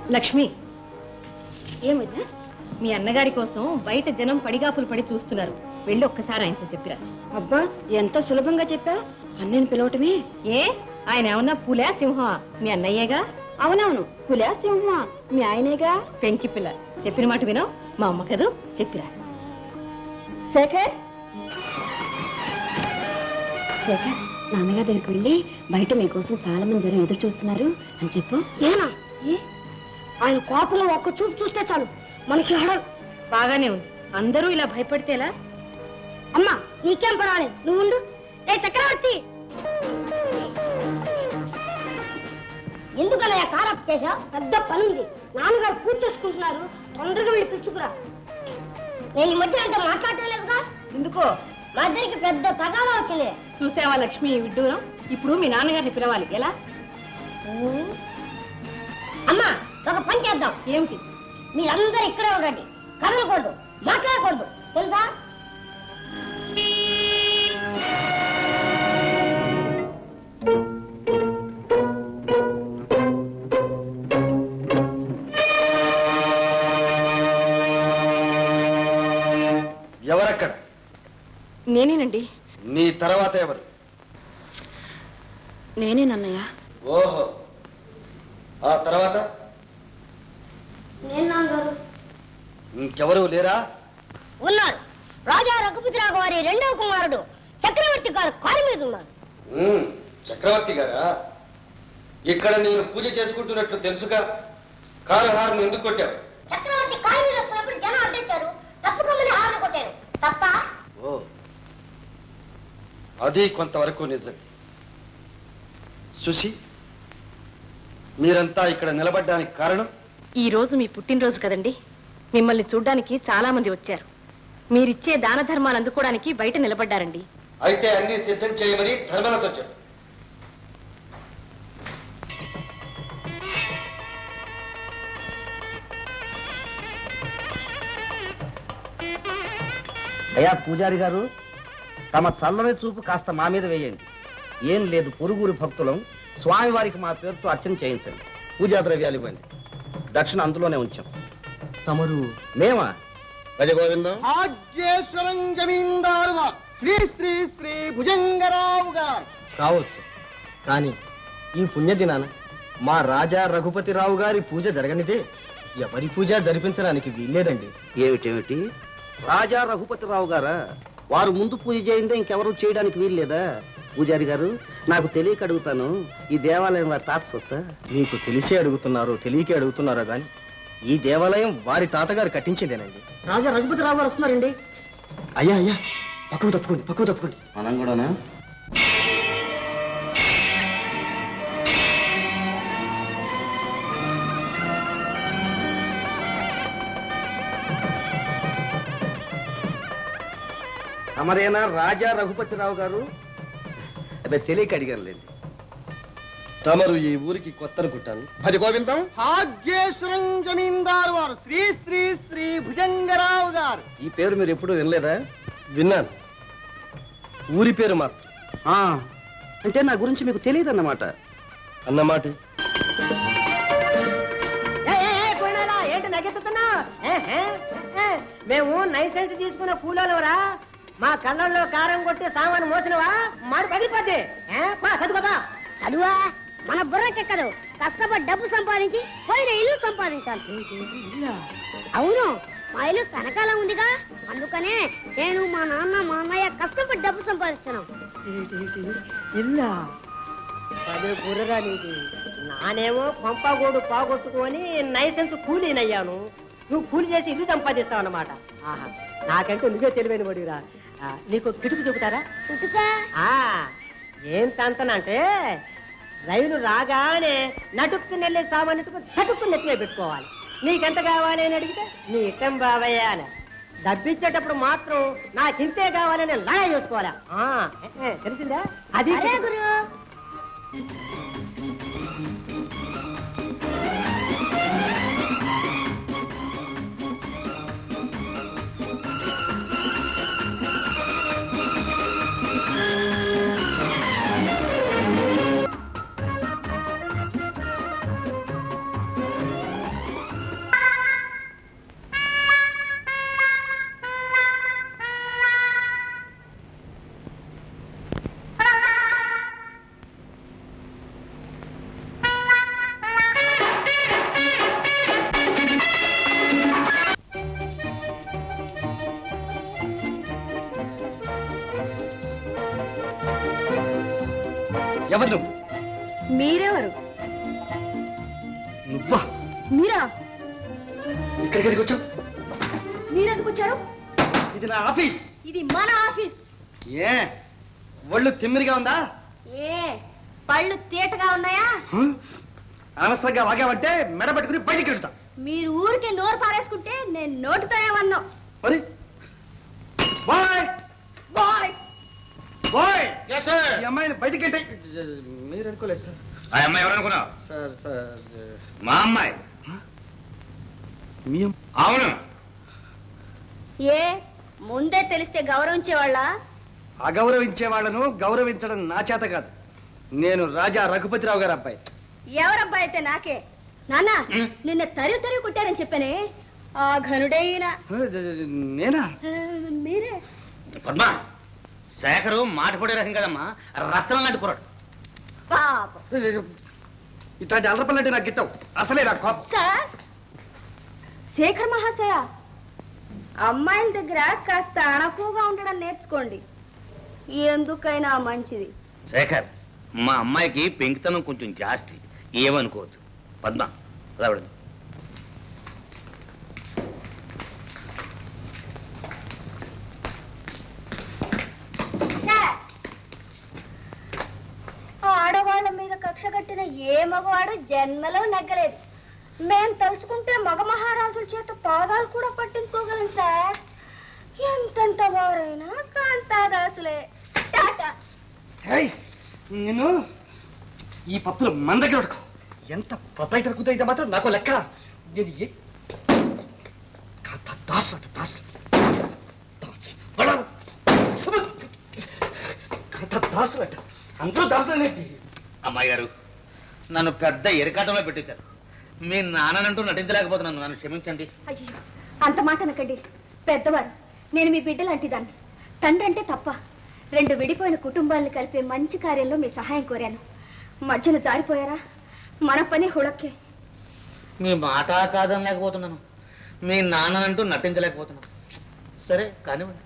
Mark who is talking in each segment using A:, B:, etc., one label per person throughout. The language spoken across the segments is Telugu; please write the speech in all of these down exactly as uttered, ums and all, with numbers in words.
A: లక్ష్మి, ఏమిటా? మీ అన్నగారి కోసం బయట జనం పడిగాపులు పడి చూస్తున్నారు. వెళ్ళి ఒక్కసారి ఆయనతో చెప్పిరా.
B: అబ్బా, ఎంత సులభంగా చెప్పా. అన్నయ్యని పిలవటమే.
A: ఏ, ఆయన ఏమన్నా పులా సింహమా? మీ అన్నయ్యేగా.
B: అవునవును, పులా సింహమా మీ ఆయనేగా.
A: పెంకి పిల్ల, చెప్పిన మాట వినో. మా అమ్మ కదూ, చెప్పిరా.
B: శేఖర్, శేఖర్, నాన్నగారి దగ్గరికి వెళ్ళి బయట మీకోసం చాలా మంది జనం ఎదురు చూస్తున్నారు అని చెప్పు. ఏనా? ఏ ఆయన కోపంలో ఒక్క చూపు చూస్తే చాలు మనకి హడలు.
A: బాగానే ఉంది. అందరూ ఇలా భయపడితేలా?
B: అమ్మా, నీకేం పర్వాలేదు, నువ్వు ఉండు. ఏ చక్రవర్తి, ఎందుకలా కారప్ చేసా? పెద్ద పనుంది, నాన్నగారు పూజ చేసుకుంటున్నారు. తొందరగా వెళ్ళి పిలుచుకురా. నేను ఈ మధ్య అంత మాట్లాడలేదుగా.
A: ఎందుకో?
B: మా ఇద్దరికి పెద్ద తగాదా వచ్చింది.
A: చూసావా లక్ష్మి ఈ విడ్డూరం? ఇప్పుడు మీ నాన్నగారిని పిలవాలి. ఎలా?
B: అమ్మా, ఒక పని చేద్దాం.
A: ఏమిటి?
B: మీరందరూ ఇక్కడే ఉండండి, కదలకూడదు, మాట్లాడకూడదు, తెలుసా?
C: ఎవరక్కడ?
A: నేనేనండి.
C: నీ తర్వాత ఎవరు?
B: నేనేనన్నయ్య.
C: ఓహో, ఆ తర్వాత?
B: నేను నాన్నగారు.
C: ఇంకెవరు లేరా?
B: ఉన్నారు. రాజా రఘుపతిరావు వారి రెండవ కుమారుడు చక్రవర్తి గారు కారు మీద ఉన్నారు.
C: చక్రవర్తి గారా? ఇక్కడ నేను పూజ చేసుకుంటున్నట్లు తెలుసుగా, కారు హార్న్ ఎందుకు కొట్టావు?
B: చక్రవర్తి కారు మీద వచ్చినప్పుడు జనం అడ్డొచ్చారు, తప్పుకోమని హార్న్ కొట్టారు. తప్ప?
C: ఓ, అది కొంతవరకు నిజం. సుశీ, మీరంతా ఇక్కడ నిలబడ్డానికి కారణం?
A: ఈ రోజు మీ పుట్టినరోజు కదండి. మిమ్మల్ని చూడ్డానికి చాలా మంది వచ్చారు. మీరిచ్చే దాన ధర్మాలు అందుకోవడానికి బయట నిలబడ్డారండి.
C: అయితే అన్ని సిద్ధం చేయమని ధర్మలతో చెప్పు.
D: అయ్యా పూజారి గారు, తమ చల్లని చూపు కాస్త మా మీద వేయండి. ఏం లేదు, పొరుగురు భక్తులం. స్వామివారికి మా పేరుతో అర్చన చేయించండి. పూజా ద్రవ్యాలు ఇవ్వండి. దక్షిణ అందులోనే ఉంచాం.
E: తమరు?
D: మేమా?
C: గోవిందం.
E: భాగ్యేశ్వరం జమీందారు శ్రీ శ్రీ శ్రీ భుజంగరావు గారు కావచ్చు, కానీ ఈ పుణ్యదినాన మా రాజా రఘుపతిరావు గారి పూజ జరగనిదే ఎవరి పూజ జరిపించడానికి వీల్లేదండి.
D: ఏమిటేమిటి? రాజా రఘుపతిరావు గారా? వారు ముందు పూజ చేయిందే ఇంకెవరు చేయడానికి వీల్లేదా? పూజారి గారు, నాకు తెలియక అడుగుతాను, ఈ దేవాలయం వారి తాత సొత్తా?
E: మీకు తెలిసే అడుగుతున్నారో తెలియకే అడుగుతున్నారో గాని ఈ దేవాలయం వారి తాతగారు కట్టించిందేనండి.
B: రాజా రఘుపతిరావు గారు వస్తున్నారండి.
E: అయ్యా అయ్యా, పక్కకు తప్పుకోండి, పక్కకు తప్పుకోండి.
C: మనం కూడానా?
D: తమరేనా రాజా రఘుపతిరావు గారు? అదే తెలియక అడిగానులేండి.
C: తమరు ఈ ఊరికి కొత్త అనుకుంటాను.
E: అది గోవిందం. భాగ్యేశ్వరం జమీందారు వారు శ్రీ శ్రీ శ్రీ భుజంగరావు గారు.
D: ఈ పేరు మీరు ఎప్పుడూ వినలేదా?
C: విన్నాను, ఊరి పేరు మాత్రం.
D: ఆ, అంటే నా గురించి మీకు తెలియదన్నమాట.
C: అన్నమాట.
B: ఏంటి నగెత్తుతున్నా? మేము లైసెన్స్ తీసుకున్న కూలోరా. మా కళ్ళల్లో కారం కొట్టి సామాను మోసినవా మాడు పగిలిపోద్ది. చదువుకోదా? చదువా మన బుర్రకెక్కదు. కష్టపడి డబ్బు సంపాదించి పోయిన ఇల్లు సంపాదించాలి. అవును, మా ఇల్లు కనకాలం ఉందిగా, అందుకనే నేను మా నాన్న మా అన్నయ్య కష్టపడి డబ్బు సంపాదిస్తున్నాం. ఇల్లా అదే బుర్రగా నీది. నానేమో పంపగోడు పోగొట్టుకొని లైసెన్స్ కూలీనయ్యాను. నువ్వు కూలి చేసి ఇల్లు సంపాదిస్తావు అన్నమాట. ఆహా, నాకంటే నువ్వే తెలివైన పడిరా. నీకు కిటుకు చెబుతారా? ఏం తంతనంటే రైలు రాగానే నటుక్కు నెల్లి సామాన్యతకు చటుక్కు నెత్తిలో పెట్టుకోవాలి. నీకెంత కావాలి అని అడిగితే నీ ఇష్టం బావయ్య అని. డబ్బిచ్చేటప్పుడు మాత్రం నాకింతే కావాలని లాగా చూసుకోవాలా. తెలిసిందా? అది
E: ఎవరు నువ్వు?
A: మీరెవరు?
E: నువ్వా?
A: మీరా?
E: ఇక్కడికి ఎందుకు వచ్చావు?
A: మీరెందుకు వచ్చారు?
E: ఇది నా ఆఫీస్.
A: ఇది మన ఆఫీస్.
E: ఏ ఒళ్ళు తిమ్మిరిగా ఉందా?
A: ఏ పళ్ళు తీటగా ఉన్నాయా?
E: అనవసరంగా వాగావంటే మెడ పట్టుకుని బయటికి వెళ్తా.
A: మీరు ఊరికి నోరు పారేసుకుంటే నేను నోటితో ఏమన్నా.
E: మరి bye
A: bye
E: bye
C: Yes, sir.
E: ఈ అమ్మాయిని బయటికి వెళ్తే మీరు అనుకోలేదు సార్.
C: ఆ అమ్మాయి ఎవరనుకున్నావు?
E: సార్ సార్
C: మా అమ్మాయి.
E: మీ
C: అవును.
A: ఏ ముందే తెలిస్తే గౌరవించేవాళ్ళ?
E: అగౌరవించే వాళ్ళను గౌరవించడం నా చేత కాదు. నేను రాజా రఘుపతిరావు గారి అబ్బాయి.
A: ఎవరబ్బాయి అయితే నాకే. నాన్న
C: ఉం?
A: నిన్న తరివి తరివి కొట్టారని చెప్పానే ఆ ఘనుడైన
E: నేనా?
A: ఆ, మీరే.
C: పద్మ, శేఖరు మాట పడే రకం కదమ్మా, రత్నం లాంటి కుర్రాడు.
A: పాపం.
E: ఇట్లాంటి అల్లపల్లంటే నాకు గిట్టవు. అసలే నాకు కోపం.
A: సార్ శేఖర్ మహాశయ, అమ్మాయిల దగ్గర కాస్త అణకువగా ఉండడం నేర్చుకోండి, ఎందుకైనా మంచిది.
C: శేఖర్, మా అమ్మాయికి పెంకితనం కొంచెం జాస్తి, ఏమనుకోవద్దు. పద్మ రావడం.
A: సార్, ఆడవాళ్ళ మీద కక్ష కట్టిన ఏ మగవాడు జన్మలో నెగ్గలేదు. మేం తలుచుకుంటే మగ మహారాజుల చేత పాదాలు కూడా పట్టించుకోగలం సార్. ఎంతెంత వారైనా కాంతాదాసులే. టాటా.
E: హేయ్, నేను ఈ పప్పులు మన దగ్గర ఉడకవు. ఎంత ప్రొపరైటర్ కుదైతే మాత్రం నాకు లెక్క. నేను ఏ దాసు దాసు దాసు అంట అందరూ దాసులేంటి?
C: అమ్మాయి గారు, నన్ను పెద్ద ఎరకాటంలో పెట్టేశారు. మీ నాన్ననంటూ నటించలేకపోతున్నాను, నన్ను క్షమించండి.
A: అయ్యో, అంత మాట అనకండి. పెద్దవారు, నేను మీ బిడ్డ లాంటి దాన్ని. తండ్రి అంటే తప్ప. రెండు విడిపోయిన కుటుంబాలను కలిపే మంచి కార్యంలో మీ సహాయం కోరాను. మధ్యలో జారిపోయారా? మన పని హుళక్కే.
C: మీ మాట కాదనలేకపోతున్నాను, మీ నాన్ననంటూ నటించలేకపోతున్నాను. సరే కానివ్వండి.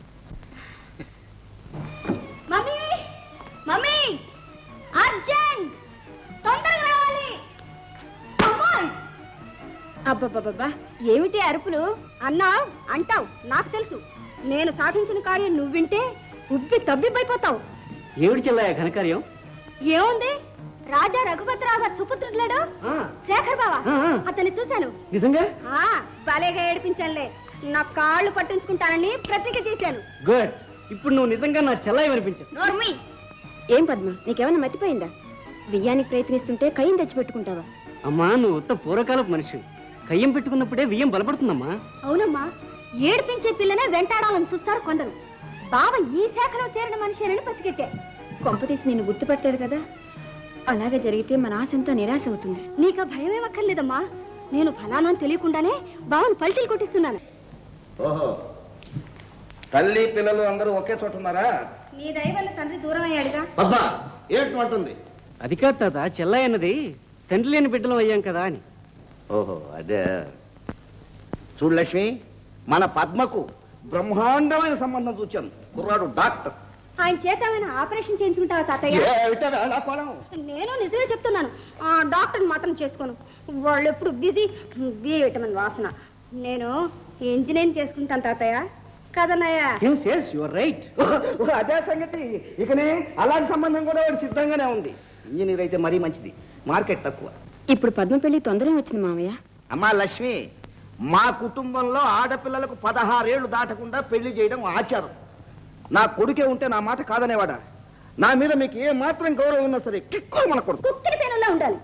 A: మమ్మీ, మమ్మీ, అర్జెంట్, తొందరగా రావాలి. అమ్మాయి! అబ్బబ్బబ్బబ్బా, ఏమిటి అరుపులు? అన్నా అంటావు, నాకు తెలుసు. నేను సాధించిన కార్యం నువ్వు వింటే ఉబ్బి తబ్బిబ్బైపోతావు.
E: ఏమిటి చెల్లయ్య ఘనకార్యం?
A: ఏముంది, రాజా రఘుపతిరావు గారు సుపుత్రుడు శేఖర్ బావా, అతన్ని చూశాను.
E: నిజంగా?
A: ఆ భలేగా ఏడిపించానులే. నా కాళ్ళు పట్టించుకుంటానని ప్రతిజ్ఞ చేశాను.
E: గుడ్. ఇప్పుడు నువ్వు నిజంగా నా చెల్లయ్య అనిపించు.
A: నోర్మి.
F: ఏం పద్మ, నీకేమన్నా మతిపోయిందా? బియ్యానికి ప్రయత్నిస్తుంటే కయ్యం తెచ్చిపెట్టుకుంటావా?
E: అమ్మా, నువ్వు ఉత్త పూర్వకాలపు మనిషి. కయ్యం పెట్టుకున్నప్పుడే బియ్యం బలపడుతుందమ్మా.
A: అవునమ్మా, ఏడిపించే పిల్లనే వెంటాడాలని చూస్తారు కొందరు. బావ ఈ శాఖలో చేరిన మనిషిని పసిగట్టే.
F: కొంపతీసి నేను గుర్తుపట్టలేదు కదా. అలాగే జరిగితే మన ఆశంతా నిరాశ అవుతుంది.
A: నీకు భయం ఏమక్కర్లేదమ్మా. నేను ఫలానా తెలియకుండానే బావను పల్టీలు కొట్టిస్తున్నాను.
D: ఓహో, తల్లి పిల్లలు అందరూ ఒకే చోట ఉన్నారా?
A: నీ దయ వల్ల తండ్రి దూరం అయ్యాడుగా.
D: అబ్బా, ఏంటి అంటుంది?
E: అది కాదు తాత, చెల్లయ్య అన్నది తండ్రి లేని బిడ్డలం అయ్యాం కదా అని.
D: ఓహో, అదే. చూడు లక్ష్మి, మన పద్మకు బ్రహ్మాండమైన సంబంధం చూచాను. కుర్రాడు డాక్టర్.
A: ఆయన చేత ఏమైనా ఆపరేషన్ చేయించుకుంటావా తాతయ్య?
D: ఏమిటరా నా పొలం?
A: నేను నిజమే చెప్తున్నాను. ఆ డాక్టర్ని మాత్రం చేసుకోను. వాళ్ళు ఎప్పుడు బిజీ. బి విటమిన్ వాసన. నేను ఇంజనీరింగ్ చేసుకుంటాను తాతయ్య. కదనయ్యా?
E: Yes, yes, you are right.
D: అదే సంగతి. ఇకనే అలాంటి సంబంధం కూడా వాడు సిద్ధంగానే ఉంది. ఇంజనీర్ అయితే మరీ మంచిది, మార్కెట్ తక్కువ.
F: ఇప్పుడు పద్మ పెళ్లి తొందరగా వచ్చింది మామయ్య.
D: అమ్మా లక్ష్మి, మా కుటుంబంలో ఆడపిల్లలకు పదహారేళ్లు దాటకుండా పెళ్లి చేయడం ఆచారం. నా కొడుకే ఉంటే నా మాట కాదనేవాడా? నా మీద మీకు ఏ మాత్రం గౌరవం ఉన్నా సరే కిక్కులు మన కొడుకు.
A: కుక్కిరి పేనులా ఉండాలి.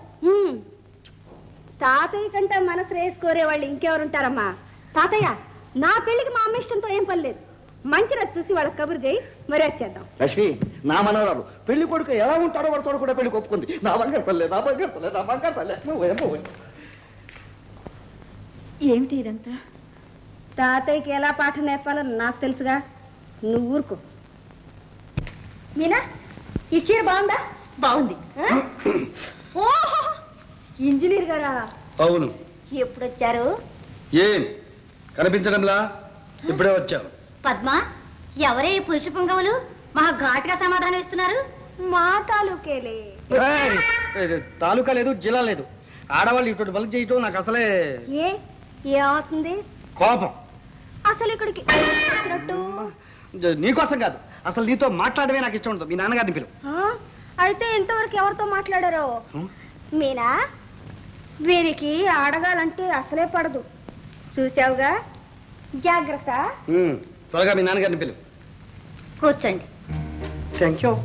A: తాతయ్య కంటే మన శ్రేయస్ కోరే వాళ్ళు ఇంకెవరుంటారమ్మా? తాతయ్య, నా పెళ్లికి మా అమ్మ ఇష్టంతో ఏం పని లేదు. మంచి రోజు చూసి వాళ్ళకి కబురు చేయి, మరి వచ్చేద్దాం.
D: లక్ష్మి, నా మనవరాలు పెళ్లి కొడుకు ఎలా ఉంటాడో వాడు తోడు కూడా పెళ్లి ఒప్పుకుంది. నా బంగారు తల్లే, నా బంగారు తల్లే, నా బంగారు తల్లే.
F: ఏమిటి ఇదంతా?
A: తాతయ్యకి ఎలా పాఠం నేర్పాలో నాకు తెలుసుగా. నువ్వు ఊరుకో. మీనా, ఈ చీర బాగుందా? బాగుంది. ఓహో, ఇంజనీర్ గారా?
C: అవును.
A: ఎప్పుడు వచ్చారు?
C: ఏం కనిపించడంలా? ఇప్పుడే వచ్చావు.
A: పద్మ, ఎవరే ఈ పురుష పొంగవులు? మహా ఘాటుగా సమాధానం ఇస్తున్నారు. మా తాలూకేలే.
E: తాలూకా లేదు, జిల్లా లేదు. ఆడవాళ్ళు ఇటువంటి బలుగు చేయటం నాకు అసలే
A: ఏ ఏమవుతుంది?
E: కోపం.
A: అసలు ఇక్కడికి వచ్చినట్టు?
E: నీకోసం కాదు, అసలు నీతో మాట్లాడమే నాకు ఇష్టం ఉండదు. మీ నాన్నగారిని పిలువు.
A: ఆ, అయితే ఇంతవరకు ఎవరితో మాట్లాడారో? మీనా, వీరికి ఆడగాలంటే అసలే పడదు. చూసావుగా, జాగ్రత్త.
E: త్వరగా మీ నాన్నగారిని పిలువు.
A: కూర్చోండి.
E: Thank you.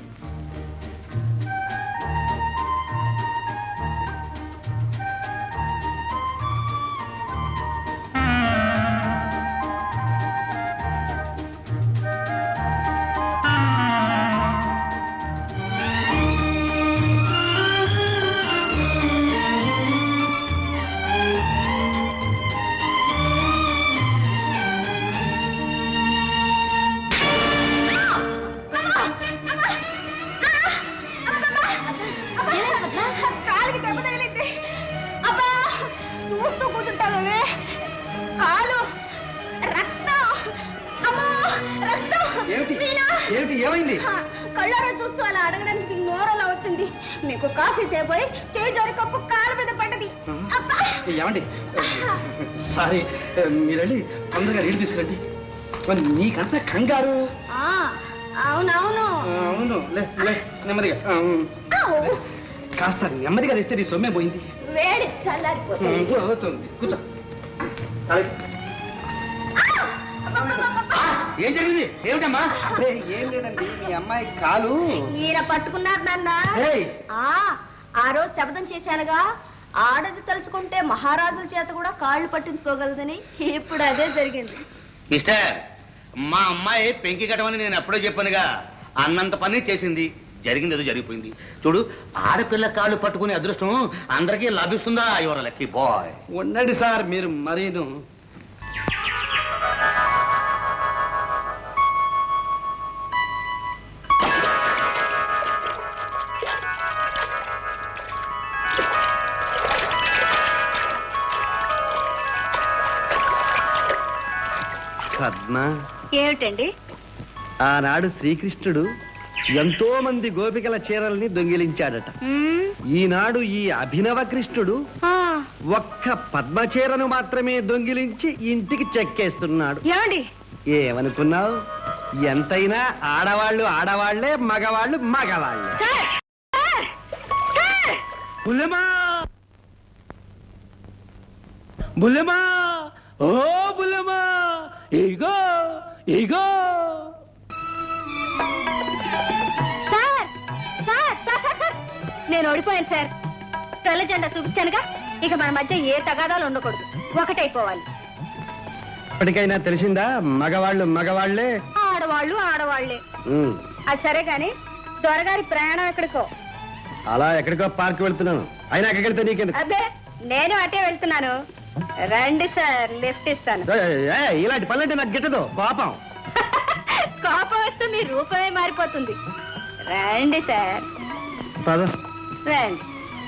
A: కాలికి దెబ్బ తగిలింది. అబ్బా, చూస్తూ కూర్చుంటావే. కాలు రక్తం. అమ్మో, రక్తం.
E: ఏమిటి
A: మీనా!
E: ఏమిటి ఏమైంది?
A: కళ్ళారా చూస్తూ అలా అడగడానికి నోరలా వచ్చింది. మీకు కాఫీ తేపోయి చేయి జోరి కప్పు కాలు మీద పడ్డది. అబ్బా!
E: ఏమండి, సారీ, మీరు వెళ్ళి తొందరగా నీళ్ళు తీసుకురండి. మరి నీకంతా కంగారు.
A: ఆ, అవునవును.
E: అవును, లే లే నెమ్మదిగా.
A: ఆవ్.
E: కాస్త నెమ్మదిగా తెస్తే నీ సొమ్మే పోయింది.
A: వేడి చల్లారిపోతుంది.
E: అవుతుంది, కూర్చో. ఏం జరిగింది? ఏమిటమ్మా? ఏం లేదండి, మీ అమ్మాయి కాలు.
A: ఈయన పట్టుకున్నారు నాన్న.
E: ఏయ్!
A: ఆ ఆ రోజు శబ్దం చేశానుగా, ఆడది తలుచుకుంటే మహారాజుల చేత కూడా కాళ్ళు పట్టించుకోగలదని. ఇప్పుడు అదే జరిగింది.
G: మిస్టర్, మా అమ్మాయి పెంకి కట్టమని నేను ఎప్పుడో చెప్పానుగా. అన్నంత పని చేసింది, జరిగింది ఏదో జరిగిపోయింది. చూడు, ఆడపిల్ల కాళ్ళు పట్టుకునే అదృష్టం అందరికీ లభిస్తుందా? Your lucky boy.
E: ఉండండి సార్, మీరు మరీను. పద్మ,
A: ఏమిటండి?
E: ఆనాడు శ్రీకృష్ణుడు ఎంతో మంది గోపికల చీరల్ని దొంగిలించాడట. ఈనాడు ఈ అభినవ కృష్ణుడు ఒక్క పద్మ చీరను మాత్రమే దొంగిలించి ఇంటికి చెక్కేస్తున్నాడు.
A: ఏమండి?
E: ఏమనుకున్నావు? ఎంతైనా ఆడవాళ్ళు ఆడవాళ్లే, మగవాళ్ళు మగవాళ్లే. బుల్లెమా, బుల్లెమా, ఓ బుల్లెమా, ఇగో ఇగో.
A: Sir, sir, sir, sir, sir, నేను ఓడిపోయాను సార్. తెల్ల జెండా చూపించానుగా, ఇక మన మధ్య ఏ తగాదాలు ఉండకూడదు, ఒకటైపోవాలి.
E: ఇప్పటికైనా తెలిసిందా? మగవాళ్ళు మగవాళ్లే,
A: ఆడవాళ్ళు ఆడవాళ్లే. అది సరే గాని, దొరగారి ప్రయాణం ఎక్కడికో.
E: అలా ఎక్కడికో పార్క్ వెళ్తున్నాను. అయినా ఎక్కడికి వెళ్తే నీకెందుకు?
A: అబ్బే, నేను అటే వెళ్తున్నాను. రండి సార్, లిఫ్ట్ ఇస్తాను.
E: ఇలాంటి పనులంటే నాకు గిట్టదు, కోపం.
A: కోపం వస్తే మీ రూపమే మారిపోతుంది. రండి సార్,
E: పద.
A: రండి.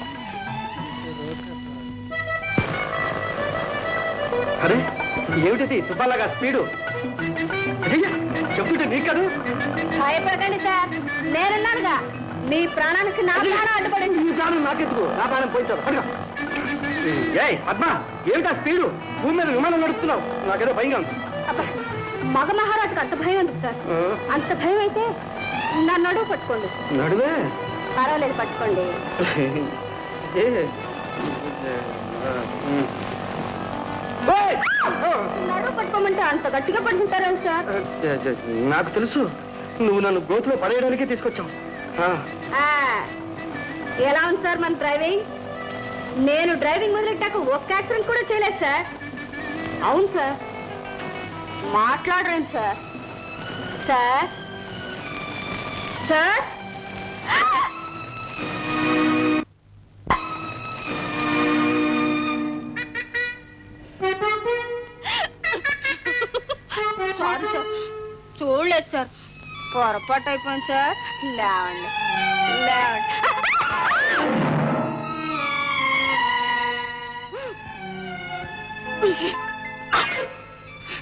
E: అరే, ఏమిటి తుపాలాగా స్పీడు? చెప్తుంటే నీకు కాదు.
A: భయపడకండి సార్, నేనున్నానుగా. మీ ప్రాణానికి నా ప్రాణం అడ్డుపడింది.
E: నీ ప్రాణం నాకెందుకు? నా ప్రాణం పోయించాడు. అడుగు. ఏయ్ పద్మ, ఏమిటా స్పీడు? భూమి మీద విమానం నడుపుతున్నావు, నాకేదో భయంగా ఉంది.
A: అబ్బా, మగ మహారాజుకు అంత భయం ఉంది సార్. అంత భయం అయితే నా నడువు పట్టుకోండి.
E: నడువే?
A: పర్వాలేదు, పట్టుకోండి. నడువు పట్టుకోమంటే అంత గట్టిగా పట్టుకుంటారేం సార్?
E: నాకు తెలుసు, నువ్వు నన్ను గోతులో పడేయడానికే తీసుకొచ్చావు.
A: ఆ, ఎలా ఉంది సార్ మన డ్రైవింగ్? నేను డ్రైవింగ్ మొదలెట్టాక ఒక్క యాక్సిడెంట్ కూడా చేయలేదు సార్. అవును సార్. మాట్లాడరేం sir? Sir sir sorry sir, చూడలేదు సార్, పొరపాటు అయిపోయింది సార్. లేవండి లేవండి.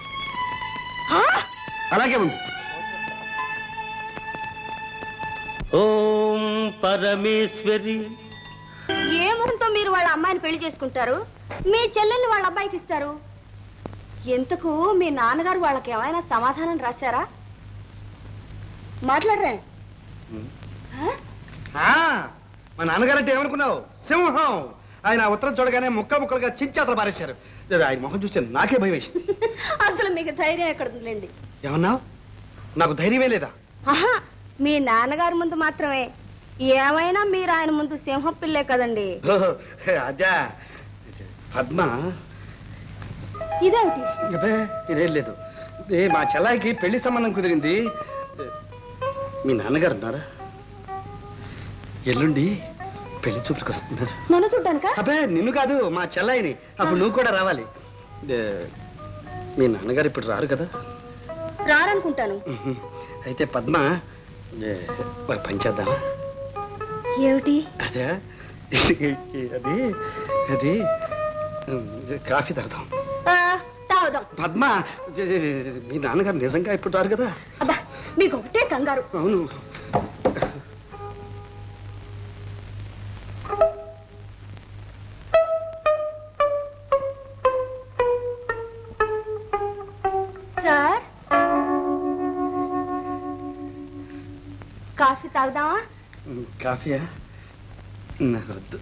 E: అలాగే ఉంది.
G: ఓం పరమేశ్వరి.
A: ఏ మొహంతో మీరు వాళ్ళ అమ్మాయిని పెళ్లి చేసుకుంటారు? మీ చెల్లెల్ని వాళ్ళ అబ్బాయికి ఇస్తారు. ఎంతకు మీ నాన్నగారు వాళ్ళకి ఏమైనా సమాధానం రాశారా? మాట్లాడరే.
E: మా నాన్నగారు అంటే ఏమనుకున్నావు? సింహం. ఆయన ఉత్తరం చూడగానే ముక్క ముక్కలుగా చించేతలు పారేశారు. ఆయన మొహం చూస్తే నాకే భయం వేసింది.
A: అసలు మీకు ధైర్యం ఎక్కడుందిలేండి.
E: ఏమన్నావు? నాకు ధైర్యమే లేదా?
A: ఆహా, మీ నాన్నగారి ముందు మాత్రమే. ఏమైనా మీరు ఆయన ముందు సింహం పిల్లే కదండి.
E: అదే పద్మ.
A: ఇదేమిటి?
E: అబ్బే ఇదేం లేదు. ఏ మా చెల్లాయికి పెళ్లి సంబంధం కుదిరింది. మీ నాన్నగారు ఉన్నారా? ఎల్లుండి పెళ్లి చూపులకు వస్తున్నారు.
A: నన్ను చూడ్డానిక?
E: అబ్బే నిన్ను కాదు, మా చెల్లాయిని. అప్పుడు నువ్వు కూడా రావాలి. మీ నాన్నగారు ఇప్పుడు రారు కదా?
A: రారనుకుంటాను.
E: అయితే పద్మ ఒక పని చేద్దామా?
A: ఏమిటి?
E: అదే అది అది కాఫీ తాగుదాం.
A: తాగుదాం.
E: పద్మ మీ నాన్నగారు నిజంగా ఇప్పుడు రారు కదా?
A: అబ్బా మీకు ఒకటే కంగారు.
E: అవును.
A: సార్ కాఫీ తాగుదామా?
E: కాఫీయా? నాకు వద్దు.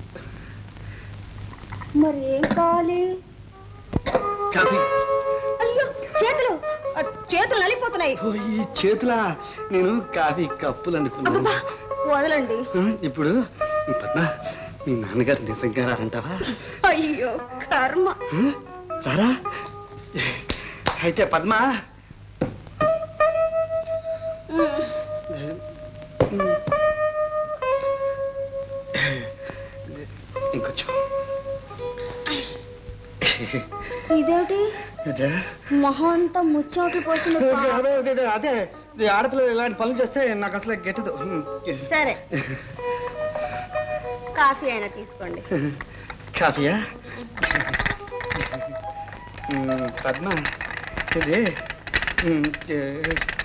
A: మరి ఏం కావాలి?
E: కాఫీ.
A: అయ్యో చేతులు చేతులు నలిపోతున్నాయి.
E: ఓ, ఈ చేతులా? నేను కాఫీ కప్పులు అనుకున్నాను.
A: అబ్బబ్బా, వదలండి.
E: ఇప్పుడు పద్మ మీ నాన్నగారు నిజంగా రారంటావా?
A: అయ్యో కర్మ.
E: రారా? అయితే పద్మ ఇంకొంచెం.
A: ఇదేమిటి?
E: అదే
A: మొహం అంతా ముచ్చోట్లు పోసింది.
E: అదే అదే అదే ఆడపిల్లలు ఇలాంటి పనులు చేస్తే నాకు అసలు గెట్టదు.
A: సరే కాఫీ అయినా తీసుకోండి.
E: కాఫీయా? పద్మ ఇది